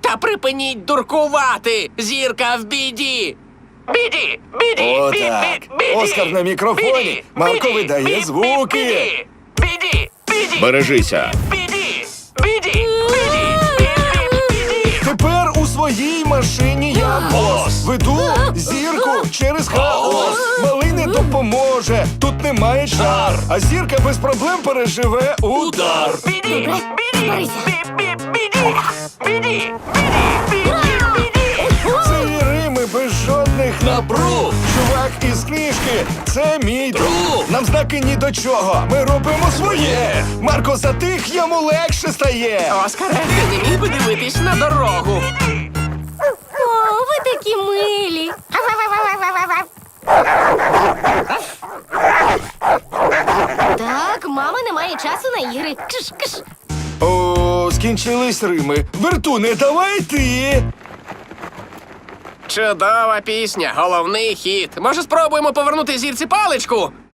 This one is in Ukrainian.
Та припиніть дуркувати! Зірка в біді! Біді! Біді! Отак. Оскар на мікрофоні. Марко видає звуки. Біді! Біді! Бережися. Біді! Біді! Біді! Тепер у своїй машині я бос. Веду зірку через хаос. Малий не допоможе, тут немає чар. А зірка без проблем переживе удар. Біді! Добре, Біді! борися. Біді! Біді! Біді! Це Рими без жодних напруг. Чувак із книжки, це мій друг. Нам знаки ні до чого, ми робимо своє. Марко затих, йому легше стає. Оскаре, ти не міг би дивитись на дорогу. О, ви такі милі. Так, мама не має часу на ігри. Кш-кш. О, скінчились Рими. Вертуне, давай ти. Чудова пісня, головний хіт. Може, спробуємо повернути зірці паличку?